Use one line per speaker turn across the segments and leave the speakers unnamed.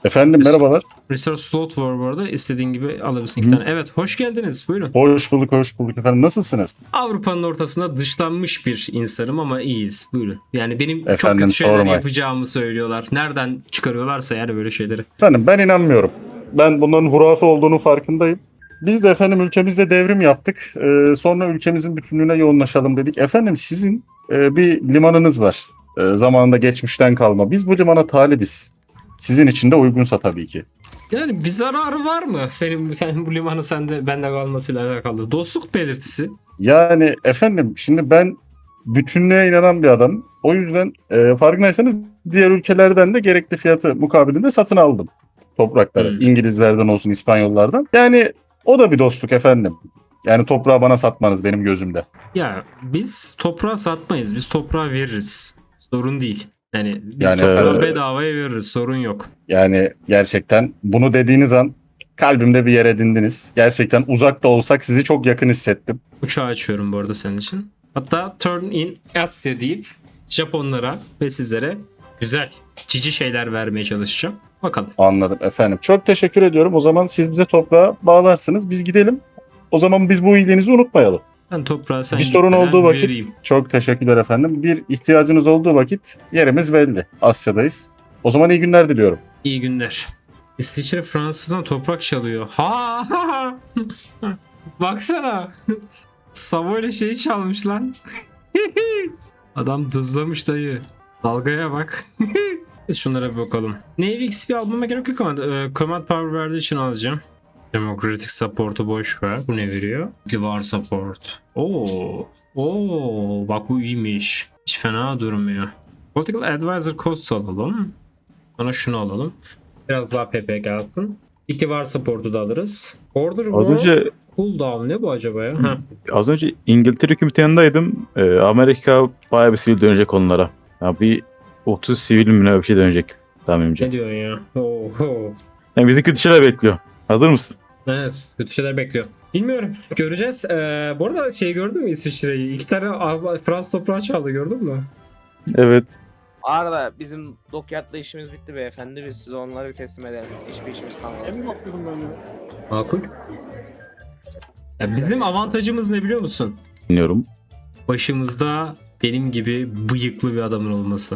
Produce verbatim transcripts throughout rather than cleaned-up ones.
Efendim merhabalar.
Resource slot var bu arada. İstediğin gibi alabilirsin iki
Hı.
tane. Evet, hoş geldiniz. Buyurun.
Hoş bulduk, hoş bulduk efendim. Nasılsınız?
Avrupa'nın ortasında dışlanmış bir insanım ama iyiyiz. Buyurun. Yani benim çok
Efendim
kötü şeyler
sormayın.
yapacağımı söylüyorlar. Nereden çıkarıyorlarsa yani böyle şeyleri.
Efendim ben inanmıyorum. Ben bunların hurafe olduğunu farkındayım. Biz de efendim ülkemizde devrim yaptık. Ee, sonra ülkemizin bütünlüğüne yoğunlaşalım dedik. Efendim sizin e, bir limanınız var. E, zamanında geçmişten kalma. Biz bu limana talibiz. Sizin için de uygunsa tabii ki.
Yani bir zararı var mı? Senin sen bu limanı sende bende kalmasıyla alakalı. Dostluk belirtisi.
Yani efendim şimdi ben bütünlüğe inanan bir adamım. O yüzden e, farkındaysanız diğer ülkelerden de gerekli fiyatı mukabilinde satın aldım toprakları.
Hmm.
İngilizlerden olsun, İspanyollardan. Yani o da bir dostluk efendim. Yani toprağı bana satmanız benim gözümde.
Ya biz toprağı satmayız. Biz toprağı veririz. Sorun değil. Yani biz
Yani
toprağı
e,
bedavaya veririz. Sorun yok.
yani gerçekten bunu dediğiniz an kalbimde bir yer edindiniz. Gerçekten uzakta olsak sizi çok yakın hissettim.
Uçağı açıyorum bu arada senin için. Hatta turn in Asya deyip Japonlara ve sizlere güzel cici şeyler vermeye çalışacağım. Bakalım.
Anladım efendim. Çok teşekkür ediyorum. O zaman siz bize toprağa bağlarsınız. Biz gidelim. O zaman biz bu iyiliğinizi unutmayalım.
Ben toprağı sen
Bir sorun
gitmeden
olduğu vakit
vereyim.
çok teşekkürler efendim. Bir ihtiyacınız olduğu vakit yerimiz belli. Asya'dayız. O zaman iyi günler diliyorum.
İyi günler. İsviçre Fransa'dan toprak çalıyor. Ha! Baksana. Savoy'la şeyi çalmış lan. Adam dızlamış dayı. Dalgaya bak. Şunlara bir bakalım. Navy X P almama gerek yok ama e, Command Power verdiği için alacağım. Democratic Support'u boş ver. Bu ne veriyor? Divar Support. Oo. Oo. Bak bu iyiymiş. Hiç fena durmuyor. Political Advisor Cost alalım. Sonra şunu alalım. Biraz daha P P gelsin. İktivar Support'u da alırız. Order
Az
War
önce
Cooldown ne bu acaba ya? Ha.
az önce İngiltere hükümeti yanındaydım. Ee, Amerika bayağı bir sivil dönecek onlara. Ya bir otuz sivil mi ne bir şey dönecek tahminimce.
Ne diyorsun ya? Oho.
Yani bizi kötü şeyler bekliyor. Hazır mısın?
Evet, kötü şeyler bekliyor. Bilmiyorum. Göreceğiz. Ee, bu arada şey gördün mü İsviçre'yi? İki tane Alman- Fransız toprağı çaldı gördün mü?
Evet.
Arda bizim Dockyard'da işimiz bitti beyefendi. Biz size onları teslim edelim. Hiçbir işimiz kalmadı.
Emin bakıyordum ben de.
Makul. Ya bizim avantajımız ne biliyor musun?
Dinliyorum.
Başımızda benim gibi bıyıklı bir adamın olması.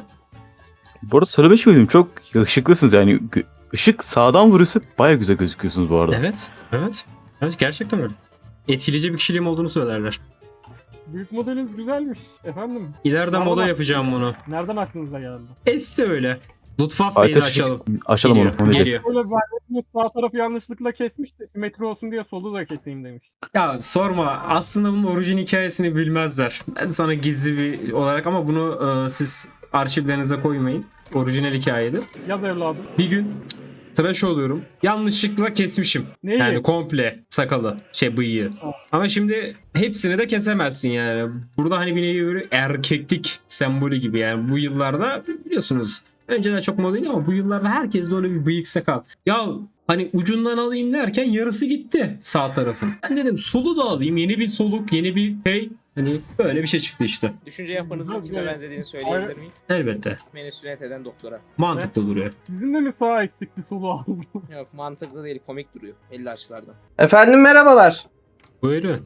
Bu arada söylemiş miydim? Çok ışıklısınız yani. Gö- Işık sağdan vuruyorsa bayağı güzel gözüküyorsunuz bu arada.
Evet, evet. Evet gerçekten öyle. Etkileyici bir kişiliğim olduğunu söylerler.
Büyük modeliniz güzelmiş efendim.
İleride
Nereden
moda
aklınıza-
yapacağım bunu.
Nereden aklınıza geldi?
Esti öyle. Luftwaffe Bey'i
Ateş
açalım.
açalım onu.
Geliyor,
onu diyecek.
geliyor.
Böyle verdiğiniz sağ tarafı yanlışlıkla kesmiş de simetri olsun diye solu da keseyim demiş.
Ya sorma. Aslında bunun orijin hikayesini bilmezler. Ben sana gizli bir olarak ama bunu e, siz arşivlerinize koymayın. Orijinal hikayedir.
Yaz evladım.
Bir gün cık, tıraş oluyorum. Yanlışlıkla kesmişim.
Neyi?
Yani komple sakalı, şey bıyığı. Ama şimdi hepsini de kesemezsin yani. Burada hani bir nevi böyle erkeklik sembolü gibi yani bu yıllarda biliyorsunuz. Önceden çok modaydı ama bu yıllarda herkes de öyle bir bıyık sakal. Ya hani ucundan alayım derken yarısı gitti sağ tarafın. Ben dedim solu da alayım. Yeni bir soluk, yeni bir şey. Hani böyle bir şey çıktı işte.
Düşünce yapınızın
Güzel,
kime
güzel.
benzediğini söyleyebilir
Hayır.
miyim?
Elbette.
Beni sünnet eden doktora.
Mantıklı duruyor.
Sizin de mi sağ eksikli solu aldı?
Yok mantıklı değil, komik duruyor. elli açılardan.
Efendim merhabalar.
Buyurun.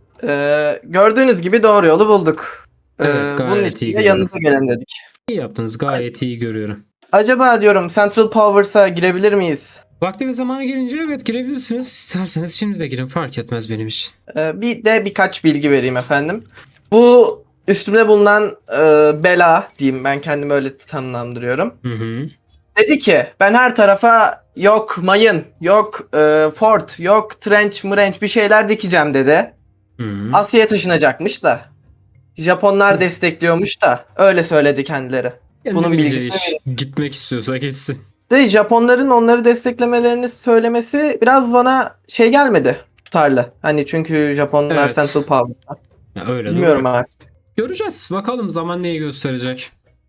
Ee, gördüğünüz gibi doğru yolu bulduk. Ee,
Evet, gayet
bunun
iyi
için de
görünüyor.
yanınıza gelen dedik.
İyi yaptınız. Gayet iyi görüyorum.
Acaba diyorum Central Powers'a girebilir miyiz?
Vakti ve zamanı gelince evet girebilirsiniz. İsterseniz şimdi de girin. Fark etmez benim için.
Ee, bir de birkaç bilgi vereyim efendim. Bu üstümde bulunan e, bela diyeyim, ben kendimi öyle tanımlandırıyorum.
Hı hı.
Dedi ki ben her tarafa yok mayın, yok e, fort, yok trench mrench bir şeyler dikeceğim dedi.
Hı hı.
Asya'ya taşınacakmış da. Japonlar destekliyormuş da öyle söyledi kendileri.
Kendi
bunun
bileceği
bilgisini
iş. Gitmek istiyorsa gitsin.
De Japonların onları desteklemelerini söylemesi biraz bana şey gelmedi, tutarlı. Hani çünkü Japonlar
Evet.
Central Power.
Ya öyle
Bilmiyorum
doğru.
artık.
Göreceğiz. Bakalım zaman neyi gösterecek.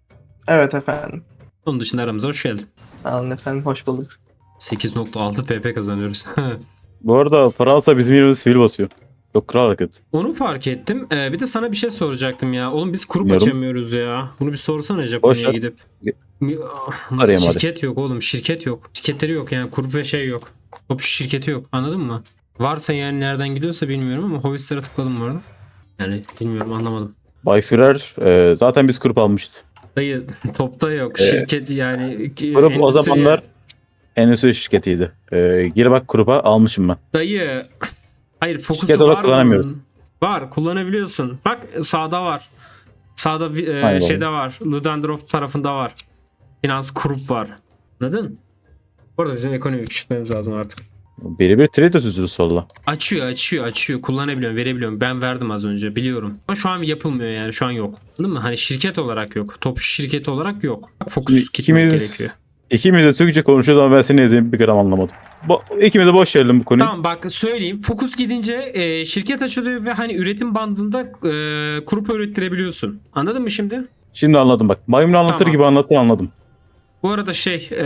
Evet efendim.
Onun dışında aramıza hoş geldin.
Sağ olun efendim, hoş bulduk.
sekiz nokta altı P P kazanıyoruz.
Bu arada Fransa bizim yerimize sivil basıyor. Yok, kral hareket.
Onu fark ettim. Ee, bir de sana bir şey soracaktım ya. Oğlum biz grup
Bilmiyorum.
açamıyoruz ya. Bunu bir sorsana
Boş
Japonya'ya
ver.
gidip.
Ge-
Mi- Ah, Nasıl
Arayayım hadi.
şirket yok oğlum. Şirket yok. Şirketleri yok yani. Grup ve şey yok. Top şirketi yok. Anladın mı? Varsa yani nereden gidiyorsa bilmiyorum ama Hobbit'lere tıkladım bu arada. Yani bilmiyorum, anlamadım.
Bay Führer, e, zaten biz grup almışız.
Dayı topta yok.
Ee,
Şirket yani. ki-
Grup o
endüstri-
zamanlar endüstri şirketiydi. E, gir bak gruba almışım ben.
Dayı. Hayır,
Şirket
fokusu
olarak
var
kullanamıyoruz.
bunun. Var, kullanabiliyorsun. Bak sağda var. Sağda bir, e,
Aynen.
şeyde var. Ludendorff tarafında var. Finans grup var. Anladın? Burada bizim ekonomi küçültmemiz lazım artık.
Biri bir trade özürlü solla.
Açıyor açıyor açıyor. Kullanabiliyorum, verebiliyorum. Ben verdim az önce, biliyorum. Ama şu an yapılmıyor yani, şu an yok. Anladın mı? Hani şirket olarak yok. Top şirketi olarak yok. Fokus gitmek
İkimiz,
gerekiyor.
ikimiz de Türkçe konuşuyoruz ama ben seni ezeyim bir gram anlamadım. Bu, ikimiz de boş verelim bu konuyu.
Tamam bak söyleyeyim. Fokus gidince e, şirket açılıyor ve hani üretim bandında e, grup ürettirebiliyorsun. Anladın mı şimdi?
Şimdi anladım bak. Maymun anlatır
Tamam.
gibi anlattın, anladım.
Bu arada şey e,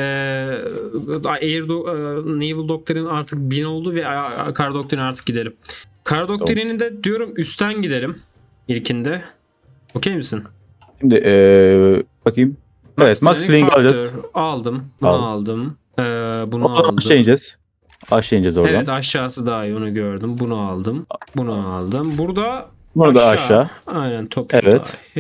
Air Do- e, Naval Doctrine artık bin oldu ve a- Kar Doctrine artık gidelim. Kar Doctrine'inde diyorum üstten gidelim ilkinde. Okey misin?
Şimdi eee bakayım. Evet, Max Planck
Factor
alacağız.
aldım. Bunu
Al.
aldım. E, bunu
Oradan
aldım.
aşağı ineceğiz. Aşağı ineceğiz oradan.
Evet, aşağısı daha iyi, onu gördüm. Bunu aldım. Bunu aldım. Burada
Bunu da aşağı.
Aynen, top
Evet.
daha iyi.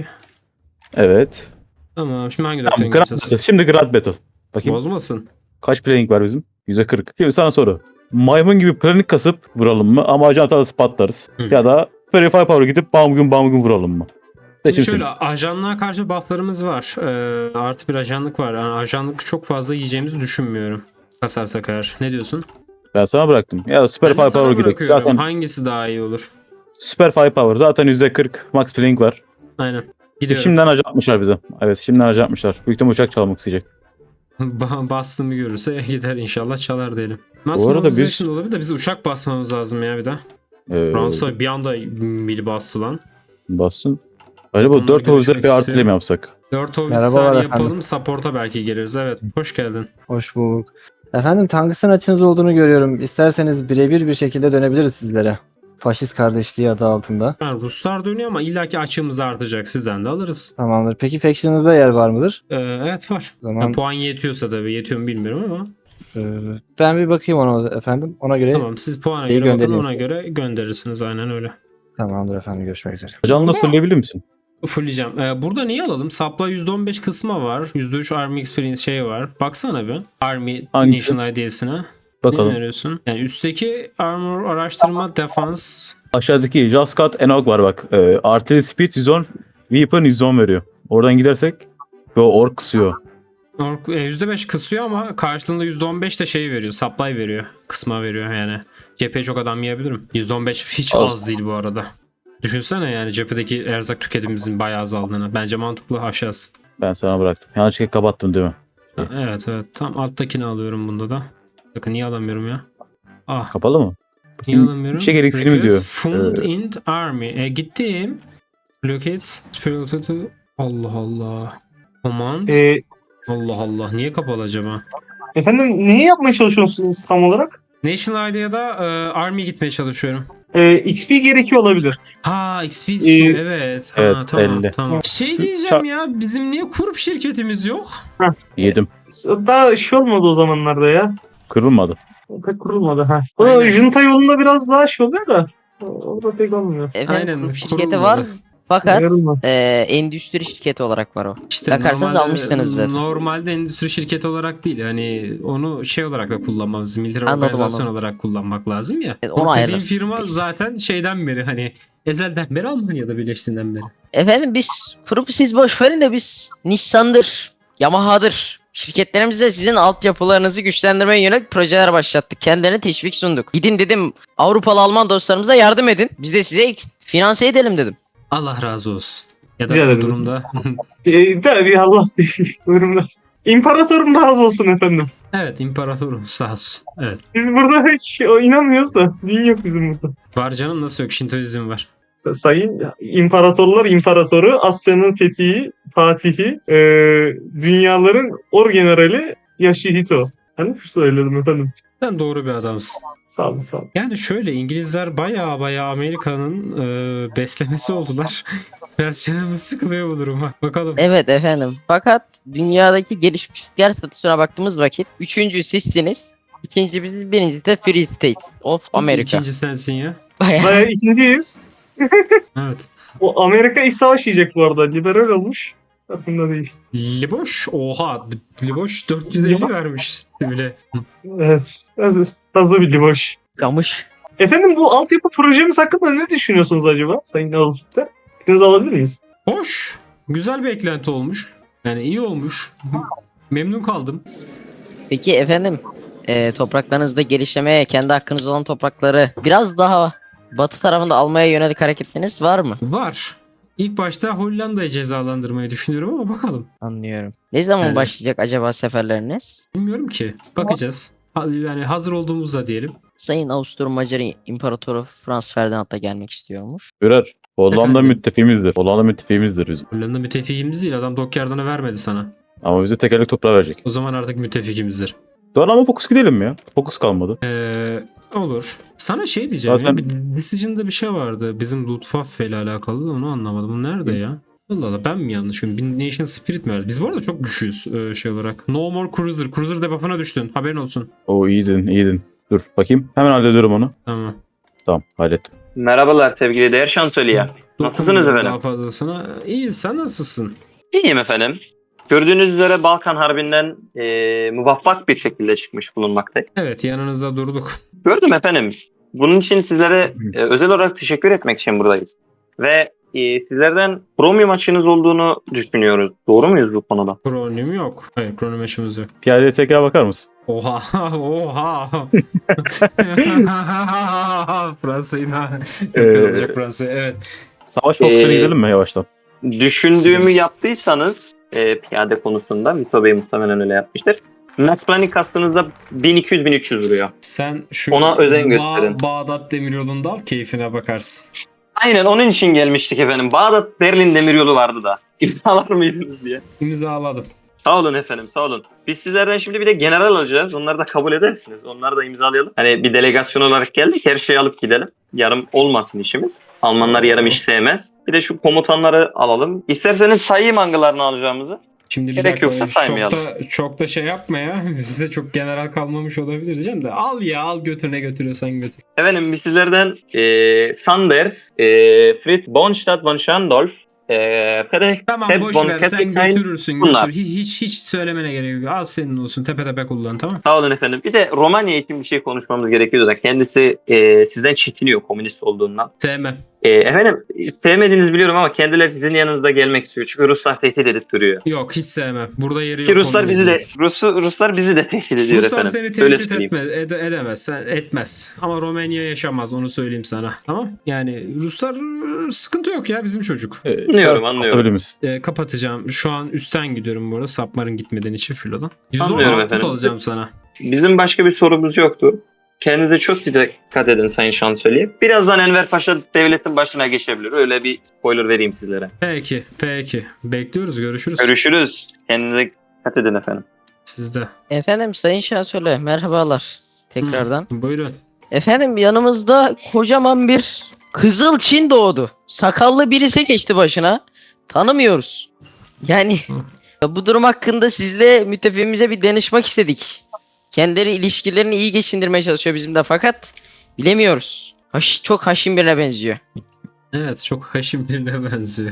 Evet.
Tamam, şimdi hangi
Tamam,
Doctrine
Grand
gideceğiz?
Battle. Şimdi Grand Battle. Bakayım.
Bozmasın.
Kaç planning var bizim? yüzde kırk. Şimdi sana soru. Maymun gibi planning kasıp vuralım mı? Ama ajan hatası patlarız.
Hı.
Ya da Verify Power gidip bam gün bam gün vuralım mı?
Şimdi
Seçim
şöyle,
senin.
ajanlığa karşı bufflarımız var. Ee, artı bir ajanlık var. Yani ajanlık çok fazla yiyeceğimizi düşünmüyorum. Kasarsak eğer. Ne diyorsun?
Ben sana bıraktım. Ya da Super
Ben de sana
Firepower gidelim.
bırakıyorum.
Zaten
Hangisi daha iyi olur?
Super Firepower. Zaten yüzde kırk max planning var.
Aynen. Gidiyorum.
Şimdiden ajan atmışlar bize. Evet, şimdiden ajan atmışlar. Büyük ihtimalle uçak çalmak isteyecek.
Ba- Bastığımı görürse gider inşallah, çalar diyelim. Mass
Bu arada biz-
mobilization olabilir de biz uçak basmamız lazım ya bir de.
Ee,
Fransa bir anda mili bastı lan.
Bassın. Acaba
Onunla
dört havuzda
görüşmek
bir artı
istiyorum.
mi yapsak?
dört
Merhabalar
ofisler
efendim.
yapalım, support'a belki geliriz. Evet, hoş geldin.
Hoş bulduk. Efendim tangısın açınız olduğunu görüyorum. İsterseniz birebir bir şekilde dönebiliriz sizlere. Faşist kardeşliği adı altında.
Yani Ruslar dönüyor ama illaki açığımız artacak. Sizden de alırız.
Tamamdır. Peki faction'ınızda yer var mıdır?
Ee, evet var.
O zaman
Yani puan yetiyorsa tabii. Yetiyor mu bilmiyorum ama.
e, ben bir bakayım ona efendim. Ona göre
Tamam, siz puana
şeyi
göre bakın,
göndereyim.
ona göre gönderirsiniz. Aynen öyle.
tamamdır efendim. Görüşmek üzere.
Ajanla
Burada-
fırlayabilir misin?
Fulleyeceğim. Ee, burada neyi alalım? Supply yüzde on beş kısmı var. yüzde üç Army Experience şey var. Baksana bir. Army
Hangisi?
National I D'sine. Ne
Bakalım.
öneriyorsun? Yani üstteki Armor araştırma defense.
Aşağıdaki Jaskat Enog var bak. Ee, Artillery Speed yüz on, Weapon yüz on veriyor. Oradan gidersek ve ork kısıyor.
Ork- e, yüzde beş kısıyor ama karşılığında yüzde on beş de şey veriyor. Supply veriyor. Kısma veriyor yani. Cepheye çok adam yiyebilirim. yüzde on beş hiç
Az.
az değil bu arada. Düşünsene yani cephedeki erzak tüketimimizin bayağı azaldığını. Bence mantıklı, aşağısı.
Ben sana bıraktım. Yanlışlıkla kapattım değil mi?
Ha, evet evet. Tam alttakini alıyorum bunda da. Bakın niye alamıyorum ya? Ah,
Kapalı mı?
niye alamıyorum?
bir şey gereksinim
Request
diyor.
Fund
Ee,
in Army. E gittim. Locate Spirited. Allah Allah. Command.
Ee,
Allah Allah. Niye kapalı acaba?
efendim neyi yapmaya çalışıyorsunuz tam olarak?
National Idea'da e, Army gitmeye çalışıyorum.
Ee, X P gerekiyor olabilir.
Ha, X P
Ee,
evet. Ha,
evet,
tamam
elli.
tamam. Şey diyeceğim ya, bizim niye kurup şirketimiz yok?
Yedim.
Daha şey olmadı o zamanlarda ya.
Kırılmadı.
Pek kurulmadı ha. O
Aynen.
junta yolunda biraz daha şey oluyor da. O da pek olmuyor.
Aynen,
Efendim kurum şirketi
kurulmadı.
var fakat
Yarılma.
e, endüstri şirketi olarak var o.
İşte
Bakarsanız
normalde-
almışsınız zaten.
Normalde endüstri şirketi olarak değil. Hani onu şey olarak da kullanmamız, militer
Anladım,
organizasyon
anladım.
olarak kullanmak lazım ya.
Evet, onu
O dediğim
ayarlarız.
firma
Peki.
zaten şeyden beri, hani ezelden beri Almanya'da birleştiğinden beri.
Efendim biz kurumu siz boş verin de biz Nissan'dır, Yamaha'dır. Şirketlerimizde sizin altyapılarınızı güçlendirmeye yönelik projeler başlattık. Kendilerine teşvik sunduk. Gidin dedim Avrupalı Alman dostlarımıza yardım edin. Biz de size ek- finanse edelim dedim.
Allah razı olsun. Ya da
Rica
bu
ederim.
durumda.
Ee, tabii Allah değil. Durumda. İmparatorum razı olsun efendim.
Evet, imparatorum sağ olsun. Evet.
Biz burada hiç o, inanmıyoruz da. Din yok bizim burada.
Var canım, nasıl yok? Şintoizm var.
Sayın İmparatorlar İmparatoru, Asya'nın fethi, Fatihi, e, dünyaların orgenerali Yashihito. Ben mi söyledim efendim?
Sen doğru bir adamsın.
Sağ olun sağ olun.
Yani şöyle İngilizler baya baya Amerika'nın e, beslemesi oldular. Biraz canımız sıkılıyor bu duruma. Bakalım.
Evet efendim. Fakat dünyadaki gelişmişlikler statüsüne baktığımız vakit üçüncü sizsiniz. İkinci biz, birinci de Free State of
Nasıl
America.
ikinci sensin ya?
Bayağı.
Bayağı ikinciyiz.
Evet.
O Amerika iç savaş yiyecek bu arada. Liberal olmuş. Aklımda değil.
Liboş oha. Liboş dört yüz elli vermiş bile.
Evet. Fazla, fazla bir boş.
Yamış.
Efendim bu altyapı projemiz hakkında ne düşünüyorsunuz acaba Sayın Alfit'te? Fikrinizi alabilir miyiz?
Hoş. Güzel bir eklenti olmuş. Yani iyi olmuş. Memnun kaldım.
Peki efendim e, topraklarınızda gelişlemeye kendi hakkınız olan toprakları biraz daha batı tarafında almaya yönelik hareketleriniz var mı?
Var. İlk başta Hollanda'yı cezalandırmayı düşünüyorum ama bakalım.
Anlıyorum. Ne zaman
Yani-
başlayacak acaba seferleriniz?
Bilmiyorum ki. Bakacağız. Ha- Yani hazır olduğumuzda diyelim.
Sayın Avusturya Macar İmparatoru Franz Ferdinand da gelmek istiyormuş.
Führer. Hollanda
Efendim?
müttefiğimizdir. Hollanda müttefiğimizdir bizim.
Hollanda müttefikimiz değil. Adam Dockyard'ını vermedi sana.
Ama bize tekerlek toprağı verecek.
O zaman artık müttefikimizdir.
Doğru ama fokus gidelim mi ya? Fokus kalmadı.
Ee, olur. Sana şey diyeceğim
Zaten-
ya. Bir Decision'da bir şey vardı. Bizim Luftwaffe ile alakalı da onu anlamadım. Bu nerede ya? Allah Allah ben mi yanlışım? Bir Nation Spirit mi verdi? Biz bu arada çok güçlüyüz e, şey olarak. No more Cruiser. Cruiser debuff'ına düştün. Haberin olsun.
O iyiydin iyiydin. Dur bakayım. Hemen hallediyorum onu.
Tamam.
Tamam hallettim.
Merhabalar sevgili değer şansölye. Nasılsınız
Dokunmuyorum
efendim?
Daha fazlasına. İyi sen nasılsın?
İyiyim efendim. Gördüğünüz üzere Balkan Harbi'nden eee muvaffak bir şekilde çıkmış bulunmaktayım.
Evet yanınızda durduk.
Gördüm efendim. Bunun için sizlere e, özel olarak teşekkür etmek için buradayız. Ve e, sizlerden Chromium açığınız olduğunu düşünüyoruz. Doğru muyuz bu konuda?
Kronim yok. Hayır kronim yaşımız yok.
Piyadeye tekrar bakar mısın?
Oha oha. Fransa'yı da
Ee,
yakalayacak Fransa'yı evet.
Savaş fokusuna
Ee,
gidelim mi yavaştan?
Düşündüğümü
Biliriz.
yaptıysanız e, piyade konusunda Vito Bey muhtemelen öyle yapmıştır. Max Planning kastınızda bin iki yüz bin üç yüz vuruyor.
Sen şu
Ona özen
Ba-
gösterin.
Bağdat Demiryolu'nda al keyfine bakarsın.
Aynen onun için gelmiştik efendim. Bağdat Berlin demiryolu vardı da. İmzalar mıydınız diye.
İmzaladım.
Sağ olun efendim sağ olun. Biz sizlerden şimdi bir de general alacağız. Onları da kabul edersiniz. Onları da imzalayalım. Hani bir delegasyon olarak geldik. Her şeyi alıp gidelim. Yarım olmasın işimiz. Almanlar yarım iş sevmez. Bir de şu komutanları alalım. İsterseniz sayayım hangilerini alacağımızı.
Şimdi bir
Gerek
dakika
yoksa saymayalım.
çok da, çok da şey yapma ya. Bize çok general kalmamış olabilir diyeceğim de. Al ya al götür ne götürüyorsan götür.
Efendim biz sizlerden e, Sanders, e, Fritz Bonstadt von Schandolf, e, Friedrich
Tamam
Sepp
boş
von
ver sen
Keppenheim.
götürürsün
bunlar.
götür. Hiç, hiç, hiç söylemene gerek yok. Al senin olsun tepe tepe kullan tamam.
Sağ olun efendim. Bir de Romanya için bir şey konuşmamız gerekiyordu da kendisi e, sizden çekiniyor komünist olduğundan.
Sevmem.
E, efendim sevmediğinizi biliyorum ama kendileri sizin yanınızda gelmek istiyor. Çünkü Ruslar tehdit edip duruyor.
Yok hiç sevmem. Burada yeri yok.
Ki Ruslar bizi de
komünizmin.
Rus, Ruslar bizi de tehdit ediyor
Ruslar
efendim.
seni
Öyle
tehdit
söyleyeyim.
etmez, ede- edemez, sen etmez. Ama Romanya yaşamaz onu söyleyeyim sana. Tamam? Yani Ruslar ıı, sıkıntı yok ya bizim çocuk.
Ee,
Anlıyorum,
çarp-
anlıyorum.
atabilir misin?
Ee, kapatacağım. Şu an üstten gidiyorum bu arada. Sapmarın gitmeden için filodan.
Anlıyorum
yüzde on output
efendim.
alacağım sana.
Bizim başka bir sorumuz yoktu. Kendinize çok dikkat edin Sayın Şansölye. Birazdan Enver Paşa devletin başına geçebilir. Öyle bir spoiler vereyim sizlere.
Peki, peki. Bekliyoruz, görüşürüz.
Görüşürüz. Kendinize dikkat edin efendim.
Sizde.
Efendim Sayın Şansölye merhabalar tekrardan.
Hı, buyurun.
Efendim yanımızda kocaman bir Kızıl Çin doğdu. Sakallı birisi geçti başına. Tanımıyoruz. Yani bu durum hakkında sizle müttefiğimize bir danışmak istedik. Kendileri ilişkilerini iyi geçindirmeye çalışıyor bizimle fakat bilemiyoruz. Haş, çok haşin birine benziyor.
Evet, çok haşim birine benziyor.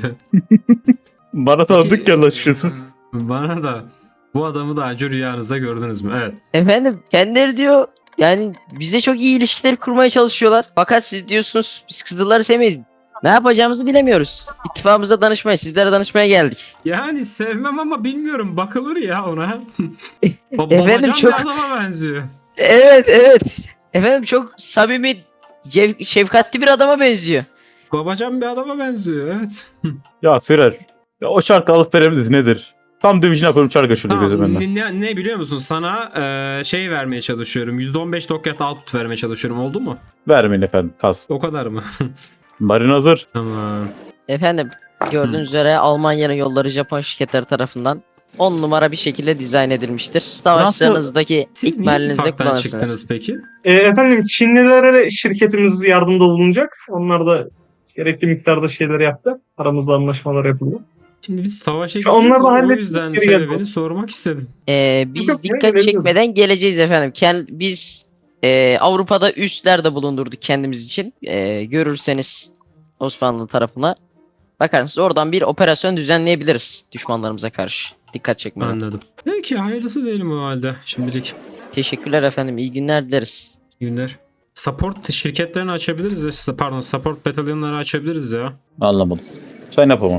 Bana tanıdık geldi açıkçası.
Bana da. Bu adamı daha önce rüyanızda gördünüz mü? Evet.
Efendim kendileri diyor yani bize çok iyi ilişkiler kurmaya çalışıyorlar. Fakat siz diyorsunuz biz Kızılları sevmeyiz. Ne yapacağımızı bilemiyoruz. İttifakımıza danışmaya, sizlere danışmaya geldik.
Yani sevmem ama bilmiyorum. Bakılır ya ona. Ba-
Efendim,
babacan
çok-
bir adama benziyor.
Evet, evet. Efendim çok samimi, cev- şefkatli bir adama benziyor.
Babacan bir adama benziyor. Evet.
Ya Führer. Ya o çarkı alıp verebiliriz nedir? Tam dövüşünü yapıyorum çark aşırdı gözüm
Tamam,
benden.
ne, ne biliyor musun? Sana e, şey vermeye çalışıyorum. yüzde on beş dokyat output vermeye çalışıyorum. Oldu mu?
Vermeyin efendim kas.
O kadar mı?
Marin hazır.
Tamam.
Efendim gördüğünüz üzere Almanya'nın yolları Japon şirketleri tarafından on numara bir şekilde dizayn edilmiştir. Savaşlarınızdaki
Siz niye
ikmalinizde
ittifaktan
kullanırsınız.
çıktınız peki?
E, efendim Çinlilere de şirketimiz yardımda bulunacak. Onlar da gerekli miktarda şeyler yaptı. Aramızda anlaşmalar yapıldı.
Şimdi biz savaşa
Şu onlar
gidiyoruz.
da
O
hallettik,
yüzden
geri geldi.
sebebini sormak istedim.
Ee, biz
Yok,
dikkat
gelebilirim.
çekmeden geleceğiz efendim. Kend, biz e, Avrupa'da üsler de bulundurduk kendimiz için. E, görürseniz Osmanlı tarafına bakarsınız oradan bir operasyon düzenleyebiliriz düşmanlarımıza karşı. Dikkat çekmeden.
Anladım. Peki hayırlısı diyelim o halde şimdilik.
Teşekkürler efendim. İyi günler dileriz.
İyi günler. Support şirketlerini açabiliriz ya. Pardon, support batalyonları açabiliriz ya.
Anlamadım. Sen yapamam.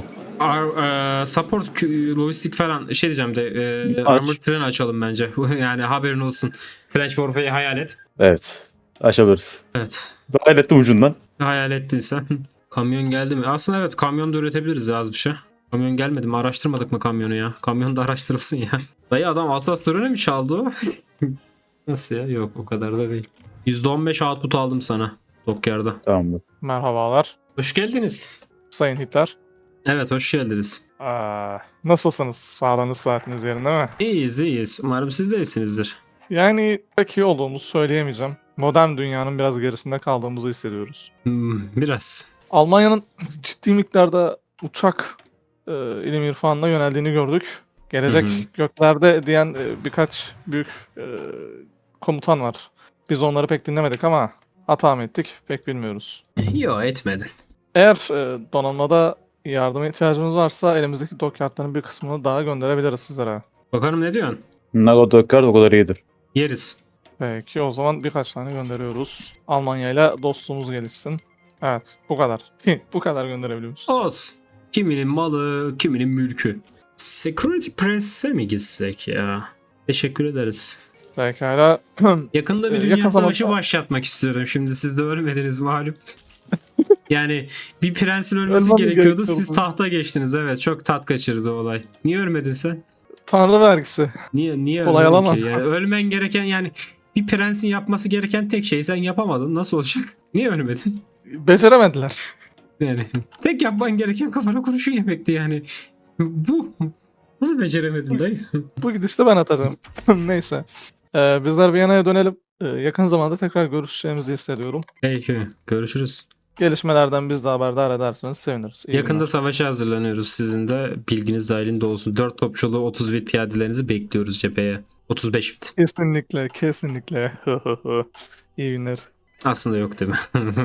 Ar, e, support kü- lojistik falan şey diyeceğim de e,
Aç.
armor tren açalım bence. Yani haberin olsun. Trench Warfare'yi hayal et.
Evet. Açabiliriz.
Evet.
Ben ettim ucundan.
Hayal ettin sen. Kamyon geldi mi? Aslında evet, kamyon da üretebiliriz ya az bir şey. Kamyon gelmedi mi? Araştırmadık mı kamyonu ya? Kamyon da araştırılsın ya. Dayı adam Atlas Törene mi çaldı o? Nasıl ya? Yok, o kadar da değil. yüzde on beş output aldım sana Dokyard'a.
Tamamdır.
Merhabalar.
Hoş geldiniz.
Sayın Hitler.
Evet, hoş geldiniz.
Aa, nasılsınız? Sağlığınız saatiniz yerinde mi?
İyiyiz iyiyiz. Umarım siz de iyisinizdir.
Yani pek iyi olduğumuzu söyleyemeyeceğim. Modern dünyanın biraz gerisinde kaldığımızı hissediyoruz.
Hmm, biraz.
Almanya'nın ciddi miktarda uçak e, ilim irfanına yöneldiğini gördük. Gelecek
Hı hı.
göklerde diyen e, birkaç büyük e, komutan var. Biz onları pek dinlemedik ama hata mı ettik pek bilmiyoruz.
Yo, etmedi.
Eğer e, donanmada yardıma ihtiyacınız varsa elimizdeki dokyardların bir kısmını daha gönderebiliriz sizlere.
Bakalım ne diyorsun?
Nago Dökker o kadar iyidir.
Yeriz.
Peki o zaman birkaç tane gönderiyoruz. Almanya ile dostluğumuz gelişsin. Evet bu kadar. Bu kadar gönderebiliyoruz.
Olsun. Kiminin malı, kiminin mülkü. Security Press'e mi gitsek ya? Teşekkür ederiz.
Pekala.
Yakında bir
Ee,
dünya
yakın
savaşı
zamanda-
başlatmak istiyorum. Şimdi siz de ölmediniz malum. Yani bir prensin ölmesi
Ölmem mi
gerekiyordu.
gerekiyordu?
Siz tahta geçtiniz. Evet, çok tat kaçırdı olay. Niye ölmedin sen?
Tanrı vergisi.
Niye niye
Kolay
ölmedin
alamam.
ki? Yani ölmen gereken, yani bir prensin yapması gereken tek şey sen yapamadın. Nasıl olacak? Niye ölmedin?
Beceremediler.
Yani tek yapman gereken kafana kurşun yemekti yani. Bu nasıl beceremedin dayı?
Bu gidişte ben atacağım. Neyse. Ee, bizler Viyana'ya dönelim. Ee, yakın zamanda tekrar görüşeceğimizi hissediyorum.
Peki, görüşürüz.
Gelişmelerden biz de haberdar ederseniz seviniriz. İyi
Yakında
günler.
savaşa hazırlanıyoruz. Sizin de bilginiz dahilinde olsun. dört topçulu otuz bit piyadelerinizi bekliyoruz cepheye. otuz beş bit.
Kesinlikle, kesinlikle. İyi günler.
Aslında yok değil mi?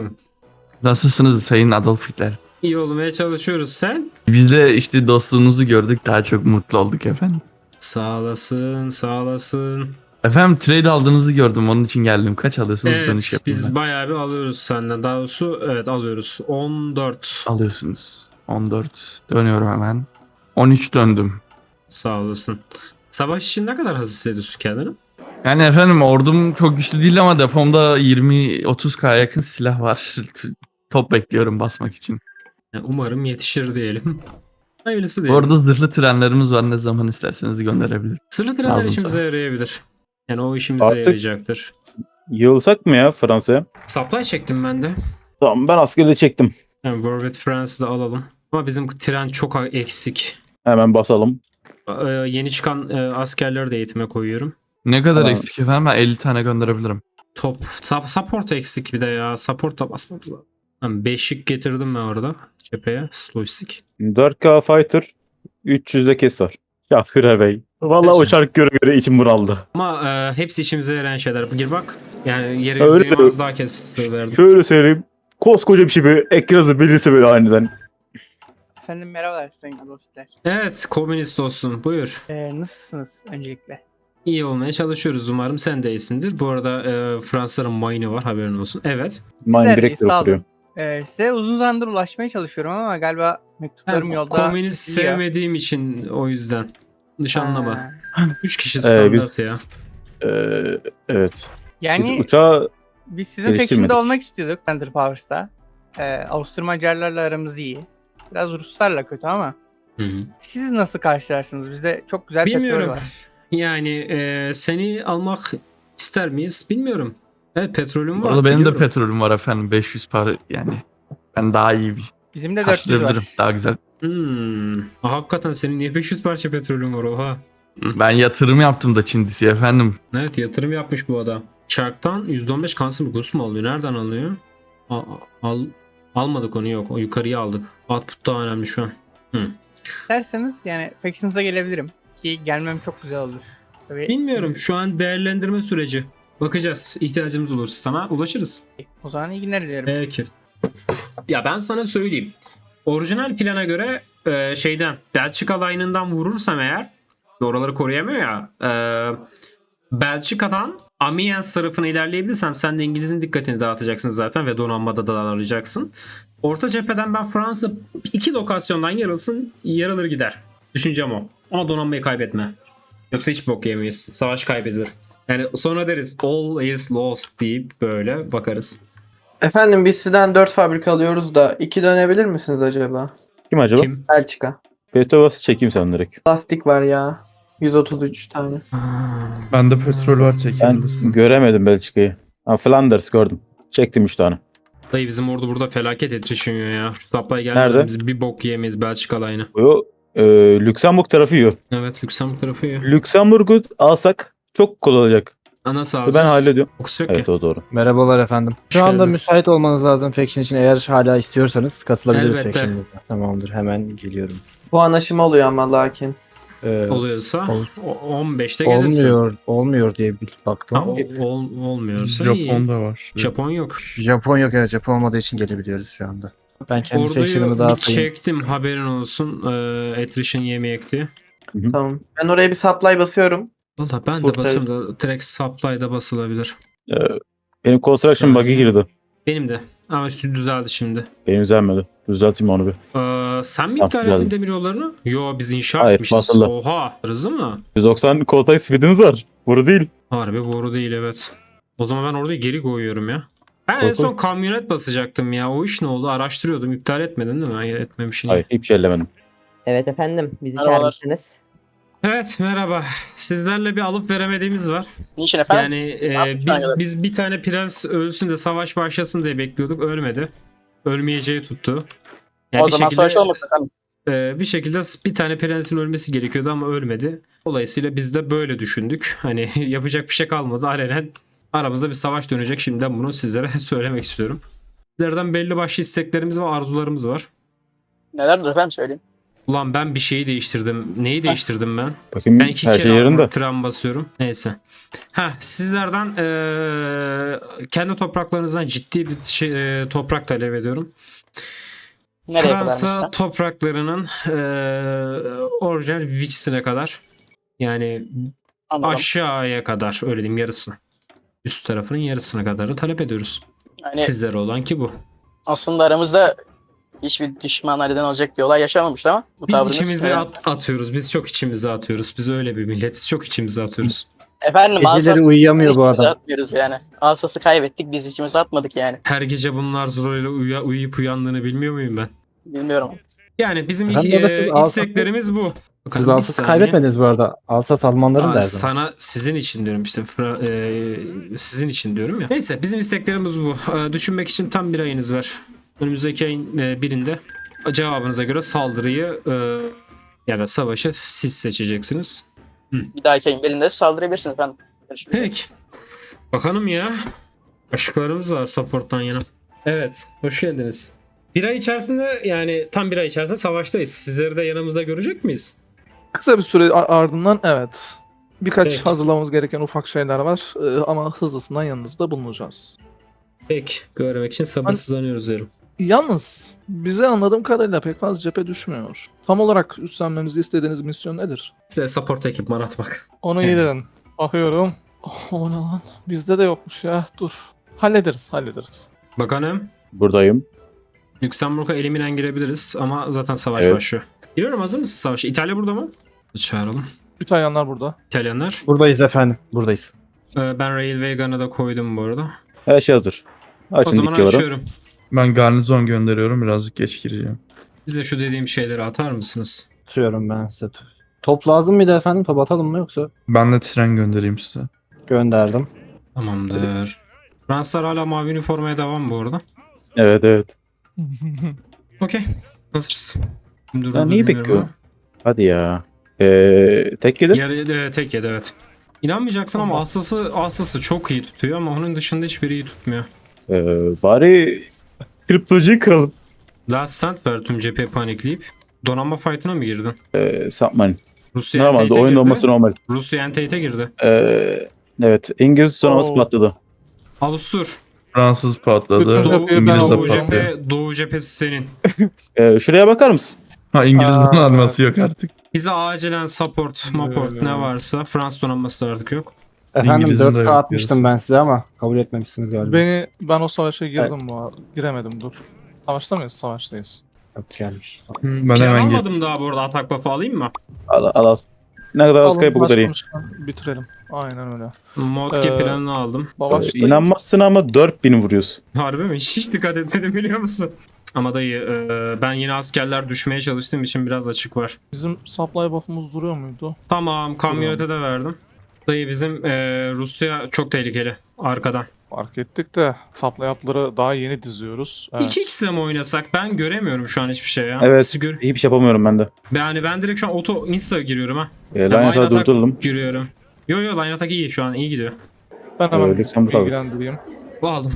Nasılsınız Sayın Adolf Hitler?
İyi olmaya çalışıyoruz. Sen?
Biz de işte dostluğunuzu gördük, daha çok mutlu olduk efendim.
Sağ olasın, sağ olasın.
Efendim trade aldığınızı gördüm, onun için geldim. Kaç alıyorsunuz? Dönüş
Evet,
yapayım
biz
ben.
bayağı bir alıyoruz senden. Daha doğrusu evet alıyoruz. on dört.
Alıyorsunuz. on dört. Dönüyorum hemen. on üç döndüm.
Sağ olasın. Savaş için ne kadar hazır hissediyorsun kendini?
Yani efendim ordum çok güçlü değil ama depomda yirmi otuz K yakın silah var. Top bekliyorum basmak için.
Yani umarım yetişir diyelim. Hayırlısı
Bu
diyelim.
arada zırhlı trenlerimiz var, ne zaman isterseniz gönderebilirim.
Sırlı trenler
lazım
işimize
sana.
yarayabilir. Yani o işimize
Artık-
yarayacaktır.
Yığılsak mı ya Fransa'ya?
Supply çektim ben de.
Tamam, ben askeri çektim.
Yani War with France'ı da alalım. Ama bizim tren çok eksik.
Hemen basalım.
Ee, yeni çıkan e, askerleri de eğitime koyuyorum.
Ne kadar
Tamam.
eksik efendim? Ben elli tane gönderebilirim.
Top. Sub- support eksik bir de ya. Support'a basmamız lazım. Tamam, beşik getirdim ben orada cepheye. Slowstick.
dört K Fighter, üç yüz de kes var. Ya Führer Bey. Vallahi o şarkı göre göre içim bunaldı.
Ama e, hepsi işimize yarayan şeyler. Gir bak. Yani yere
Öyle
yüzdeyi
de-
az daha kes verdim.
Şöyle söyleyeyim. Koskoca bir şey böyle ekranı bilirse böyle aniden.
Efendim merhabalar Sayın Adolf Hitler.
Evet, komünist olsun. Buyur.
Ee, nasılsınız öncelikle?
İyi olmaya çalışıyoruz. Umarım sen de iyisindir. Bu arada e, Fransızların mine'ı var, haberin olsun. Evet.
Mind
Bizler
Breaker
iyi, sağ
okuyor.
olun. Ee, size uzun zamandır ulaşmaya çalışıyorum ama galiba mektuplarım
Ben
yolda
komünist
kesiliyor.
sevmediğim için o yüzden. Dış anlama.
Ha,
Üç kişi
Ee,
standart
biz,
ya.
Ee, evet.
Yani
Biz uçağı
biz sizin
geliştirmedik.
faction'da olmak istiyorduk Thunder Powers'ta. Ee, Avusturmacarlarla aramız iyi. Biraz Ruslarla kötü ama.
Hı hı.
Siz nasıl karşılarsınız? Bizde çok güzel
Bilmiyorum.
petrol var.
Yani e, seni almak ister miyiz? Bilmiyorum. Evet, petrolüm
Bu
var.
arada benim de
biliyorum.
petrolüm var efendim, beş yüz para yani. Ben daha iyi bir
Bizim de dört yüz var.
Karşılayabilirim. Daha güzel.
Hmm. Aa, hakikaten senin niye beş yüz parça petrolün var oha.
Ben yatırım yaptım da Çindisi efendim.
Evet yatırım yapmış bu adam. Çark'tan yüzde on beş Consumer Goods mu alıyor? Nereden alıyor? Al, al, almadık onu yok. O yukarıya aldık. Output daha önemli şu an. Hı.
Derseniz yani Factions'a gelebilirim. Ki gelmem çok güzel olur. Tabii
Bilmiyorum.
siz-
Şu an değerlendirme süreci. Bakacağız. İhtiyacımız olursa sana ulaşırız.
O zaman iyi günler dilerim.
Peki. Ya ben sana söyleyeyim. Orijinal plana göre e, şeyden Belçika line'ından vurursam eğer oraları koruyamıyor ya e, Belçika'dan Amiens tarafına ilerleyebilirsem sen de İngiliz'in dikkatini dağıtacaksın zaten ve donanmada da arayacaksın. Orta cepheden ben Fransa iki lokasyondan yarılsın yarılır gider. Düşüncem o. Ama donanmayı kaybetme. Yoksa hiç bok yemeyiz. Savaş kaybedilir. Yani sonra deriz all is lost deyip böyle bakarız.
Efendim biz sizden dört fabrika alıyoruz da iki dönebilir misiniz acaba?
Kim acaba?
Kim?
Belçika.
Petrobas'ı çekeyim sen direkt.
Lastik var ya. yüz otuz üç tane.
Bende petrol var
Ben
çekebilirsin.
göremedim Belçika'yı. Ha, Flanders gördüm. Çektim üç tane.
Dayı bizim ordu burada felaket etişiyor ya. Şu supply gelmeden
Nerede?
biz bir bok yiyemeyiz Belçika line'ı.
O e, Lüksemburg tarafı yiyor.
Evet Lüksemburg tarafı ya.
Lüksemburg'u alsak çok kolay olacak.
Ana
Ben
alacağız.
hallediyorum.
Kokusu yok
Evet
ki.
o doğru.
Merhabalar efendim. Şu
Hoş
anda
geldin.
müsait olmanız lazım Faction için. Eğer hala istiyorsanız katılabiliriz
Elbette.
Faction'ımıza. Tamamdır, hemen geliyorum.
Bu anlaşma oluyor ama lakin.
Ee,
Oluyorsa
Ol-
o- on beşte gelirsin.
olmuyor, olmuyor diye bir baktım.
Ha,
ama.
o- ol- olmuyorsa iyi.
Japon da var.
Japon yok.
Japon yok, evet, Japon olmadığı için gelebiliyoruz şu anda. Ben kendi Faction'ımı
Orduyu bir
dağıtayım.
çektim haberin olsun. Ee, attrition yemeyek diye.
Tamam. Ben oraya bir supply basıyorum.
Valla ben de
Kurtarır.
basıyorum da direkt supply'da basılabilir.
Ee, benim construction bug'ı
Saniye.
girdi.
Benim de. Ama üstü düzeldi şimdi.
Benim düzelmedi. Düzelteyim onu bir.
Ee, sen mi
Tamam,
iptal
düzeldi.
ettin demir yollarını? Yo biz inşa
Hayır,
etmişiz.
basılı.
Oha. Hızlı mı?
yüz doksan contact speed'imiz var. Bunu değil.
Harbi boru değil evet. O zaman ben orada geri koyuyorum ya. Ben en
Koy,
son
koy.
kamyonet basacaktım ya. O iş ne oldu? Araştırıyordum. İptal etmedin değil mi? Hayır etmemişsin.
Hayır hiçbir şey ellemedim.
Evet efendim, bizi
Merhabalar.
çağırmışsınız.
Evet merhaba. Sizlerle bir alıp veremediğimiz var.
Niçin efendim?
Yani e,
yapmış
biz
arkadaş?
biz bir tane prens ölsün de savaş başlasın diye bekliyorduk. Ölmedi. Ölmeyeceği tuttu. Yani
o
bir
zaman
şekilde,
savaş olmasın efendim.
e, bir şekilde bir tane prensin ölmesi gerekiyordu ama ölmedi. Dolayısıyla biz de böyle düşündük. Hani yapacak bir şey kalmadı. Alenen aramızda bir savaş dönecek. Şimdiden bunu sizlere söylemek istiyorum. Sizlerden belli başlı isteklerimiz ve arzularımız var.
Nelerdir efendim söyleyin.
Ulan ben bir şeyi değiştirdim. Neyi değiştirdim ben?
Bakayım
Ben iki
her
kere
şey yerinde.
tren basıyorum. Neyse. Ha sizlerden eee, kendi topraklarınızdan ciddi bir şey, eee, toprak talep ediyorum.
Nereye kadar
Fransa
mesela?
topraklarının eee orijinal Vichy'sine kadar. Yani
Anladım.
aşağıya kadar öyle diyeyim yarısını. Üst tarafının yarısına kadarı talep ediyoruz.
Yani
Sizlere olan ki bu.
aslında aramızda hiçbir düşmana neden olacak bir olay yaşamamıştı ama bu
Biz
tavrınız...
içimize
Evet.
at- atıyoruz. Biz çok içimize atıyoruz. Biz öyle bir milletiz. Çok içimize atıyoruz.
Efendim
Geceleri
asası
uyuyamıyor bu
içimize
adam.
atmıyoruz yani. Asası kaybettik biz içimize atmadık yani.
Her gece bunlar zoruyla uya- uyuyup uyandığını bilmiyor muyum ben?
Bilmiyorum.
Yani bizim
Efendim,
iki-
orada siz
e,
Alsas'ı-
isteklerimiz bu. Bakalım,
Siz
bir
Alsas'ı
saniye.
kaybetmediniz bu arada. Alsas Almanların
Aa,
derdi.
sana sizin için diyorum işte Fra- e, sizin için diyorum ya. Neyse bizim isteklerimiz bu. E, düşünmek için tam bir ayınız var. Önümüzdeki ayın e, birinde cevabınıza göre saldırıyı e, yani savaşı siz seçeceksiniz.
Bir dahaki ayın birinde saldırabilirsiniz efendim. Görüşürüz.
Peki. Bakalım ya. Aşıklarımız var support'tan yana. Evet. Hoş geldiniz. Bir ay içerisinde yani tam bir ay içerisinde savaştayız. Sizleri de yanımızda görecek miyiz?
Kısa bir süre a- ardından evet. Birkaç
Peki.
hazırlamamız gereken ufak şeyler var Ee, ama hızlısından yanınızda bulunacağız.
Peki. Görmek için sabırsızlanıyoruz derim.
Yalnız bize anladığım kadarıyla pek fazla cephe düşmüyor. Tam olarak üstlenmemizi istediğiniz misyon nedir?
Size support ekipman atmak.
Onu iyi dedin. Bakıyorum. Oh, o ne lan? Bizde de yokmuş ya. Dur. Hallederiz, hallederiz.
Bakanım.
Buradayım.
Lüksemburg'a eliminen girebiliriz ama zaten savaş
Evet.
başlıyor. Giriyorum, hazır mısın savaşa? İtalya burada mı? Çağıralım.
İtalyanlar burada.
İtalyanlar.
Buradayız efendim. Buradayız.
Ee, ben Railway Gun'ı da koydum bu arada.
Her şey hazır.
O
Açın
zaman
dikkaları.
açıyorum.
Ben garnizon gönderiyorum. Birazcık geç gireceğim.
Size şu dediğim şeyleri atar mısınız?
Tutuyorum ben size. Top lazım mıydı efendim? Top atalım mı yoksa?
Ben de tren göndereyim size.
Gönderdim.
Tamamdır. Fransızlar hala mavi üniformaya devam bu arada.
Evet evet.
Okey. Hazırız. Dur,
Ya
dur,
neyi
bilmiyorum
bekliyor?
ama.
Hadi ya. Ee, tek yedi.
Yarı, e, tek yedi evet. İnanmayacaksın ama Assas'ı Assas'ı çok iyi tutuyor ama onun dışında hiçbiri iyi tutmuyor.
Ee, bari kriptocuyu kıralım.
Last stand ver tüm cepheyi panikleyip. Donanma fight'ına mı girdin?
Ee, Sapman.
Rusya
Normalde
Entate'e
oyun
girdi.
olması normal.
Rusya Entate'e girdi.
Ee, evet. İngiliz donanması
Oo.
patladı.
Avustur.
Fransız patladı.
Bütün
Doğu,
cepheyi ben
İngiliz de
Doğu,
alacağım.
patladı.
cephe, Doğu cephesi senin.
Ee, şuraya bakar mısın?
Ha İngiliz
Aa.
donanması yok artık.
Bize acilen support, maport
Ee.
ne varsa. Fransız donanması da artık yok.
Efendim
İngiliz'in de
dört K
yok
atmıştım
diyorsun.
ben size ama kabul etmemişsiniz galiba.
Beni ben o savaşa girdim bu arada. Giremedim dur. Savaşta mıyız? Savaştayız.
Yok gelmiş.
Ben
Plan
hemen gel.
almadım daha bu arada, atak buff'ı alayım mı?
Al al al. Ne kadar az
Alın,
kayıp o kadar iyi.
başlamışken bitirelim. Aynen öyle.
Modge
Ee,
planını aldım.
Ee,
Savaştayız.
İnanmazsın ama dört bin vuruyorsun.
Harbi mi? Hiç dikkat etmedim biliyor musun? Ama dayı e, ben yine askerler düşmeye çalıştığım için biraz açık var.
Bizim supply buff'ımız duruyor muydu?
Tamam, kamyonete de verdim. Dayı bizim e, Rusya çok tehlikeli arkadan.
Fark ettik de supply up'ları daha yeni diziyoruz. Evet.
iki x'le mi oynasak? Ben göremiyorum şu an hiçbir şey ya.
Evet.
Siz gör-
Hiçbir şey yapamıyorum ben de.
Yani ben direkt şu an auto insta giriyorum ha.
Ee,
Yani
line
line
attack
attack
durduralım.
giriyorum. Yo yo line attack iyi şu an, iyi gidiyor.
Ben hemen
Ee, Lüksemburg aldık.
bilgilendireyim.
Aldım.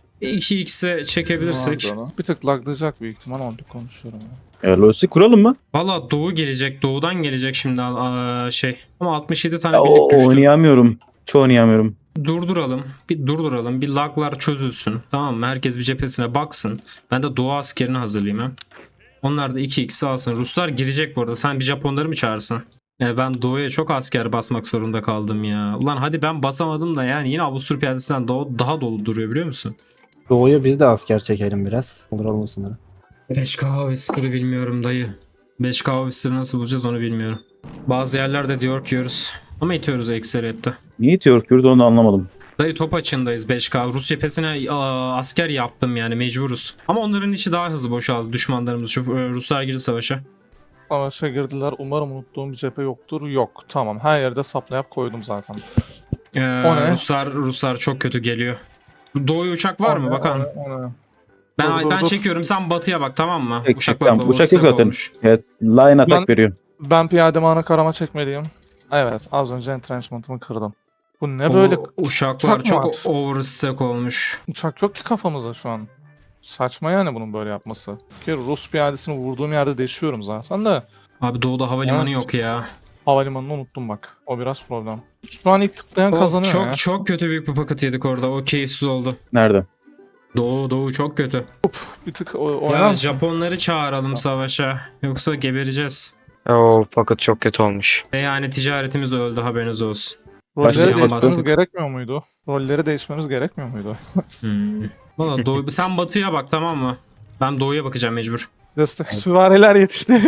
iki x'e çekebilirsek.
Nerede onu? Bir tık laglayacak büyük ihtimal ama bir konuşuyorum. Ya.
Ee, Los'i kuralım mı?
Valla Doğu gelecek. Doğudan gelecek şimdi aa, şey. Ama altmış yedi tane
Ya,
birlik
o,
düştü.
oynayamıyorum. Çoğu oynayamıyorum.
Durduralım. Bir durduralım. Bir laglar çözülsün. Tamam mı? Herkes bir cephesine baksın. Ben de Doğu askerini hazırlayayım ha. Onlar da iki x'i alsın. Ruslar girecek bu arada. Sen bir Japonları mı çağırsın? Yani ben Doğu'ya çok asker basmak zorunda kaldım ya. Ulan hadi ben basamadım da yani yine Avusturya piyadesinden Doğu daha dolu duruyor biliyor musun?
Doğu'ya bir de asker çekelim biraz. Olur olmasınlar.
beş K Avusturya bilmiyorum dayı. beş K Avusturya nasıl bulacağız onu bilmiyorum. Bazı yerlerde diyor ki yiyoruz. Ama itiyoruz ekseriyette.
Niye itiyor Kürt onu da anlamadım.
Dayı top açındayız beş K. Rus cephesine aa, asker yaptım yani mecburuz. Ama onların içi daha hızlı boşaldı düşmanlarımız. Şu e, Ruslar girdi savaşa.
Savaşa girdiler. Umarım unuttuğum bir cephe yoktur. Yok. Tamam. Her yerde supply up koydum zaten.
Ee,
O ne?
Ruslar Ruslar çok kötü geliyor. Doğuya uçak var
O
mı
ne,
bakalım.
o ne, o ne?
Ben
Dur, dur,
ben
dur.
çekiyorum, sen batıya bak tamam mı?
Çek, çek,
Uçaklar
tamam.
da
Uçak yok
WhatsApp
zaten.
olmuş.
Evet, line attack
Ben-
veriyor.
Ben piyademi ana karama çekmeliyim. Evet. Az önce entrenchment'ımı kırdım. Bu ne böyle?
O uçaklar
uçak mı
çok
var?
overstack olmuş.
Uçak yok ki kafamızda şu an. Saçma yani bunun böyle yapması. Ki Rus piyadesini vurduğum yerde deşiyorum zaten de.
Abi doğuda havalimanı
Evet.
yok ya.
Havalimanını unuttum bak. O biraz problem. Şu an ilk tıklayan
O
kazanıyor
çok
ya.
çok kötü büyük bir paket yedik orada. O keyifsiz oldu.
Nerede?
Doğu doğu çok kötü.
Bir tık o- oynar
Ya
mısın?
Japonları çağıralım savaşa. Yoksa gebereceğiz.
Oo paket çok kötü olmuş.
Ve yani ticaretimiz öldü, haberiniz olsun.
Rolleri
Başlayalım
değişmemiz
bakalım.
gerekmiyor muydu? Rolleri değişmemiz gerekmiyor muydu?
Hmm. Valla doğu, sen batıya bak tamam mı? Ben doğuya bakacağım mecbur.
Destek süvariler yetişti.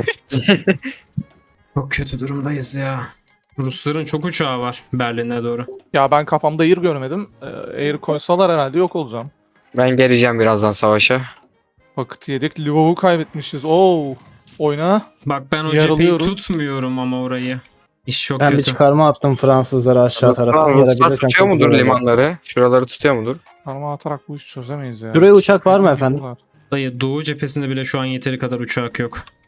Çok kötü durumdayız ya. Rusların çok uçağı var Berlin'e doğru.
Ya ben kafamda air görmedim. Ee, air koysalar herhalde yok olacağım.
Ben geleceğim birazdan savaşa.
Vakit yedik. Lvov'u kaybetmişiz. Oo. Oyna.
Bak ben o cepheyi
Yarılıyorum.
tutmuyorum ama orayı. İş çok
Ben bir
kötü.
çıkarma attım Fransızlara aşağı taraftan.
Tamam, Ruslar
Yarabilirsem
tutuyor
çok
mudur
güzel olur.
limanları? Şuraları tutuyor mudur?
Parmağı atarak bu işi çözemeyiz ya.
Şuraya uçak var mı efendim?
Dayı doğu cephesinde bile şu an yeteri kadar uçak yok.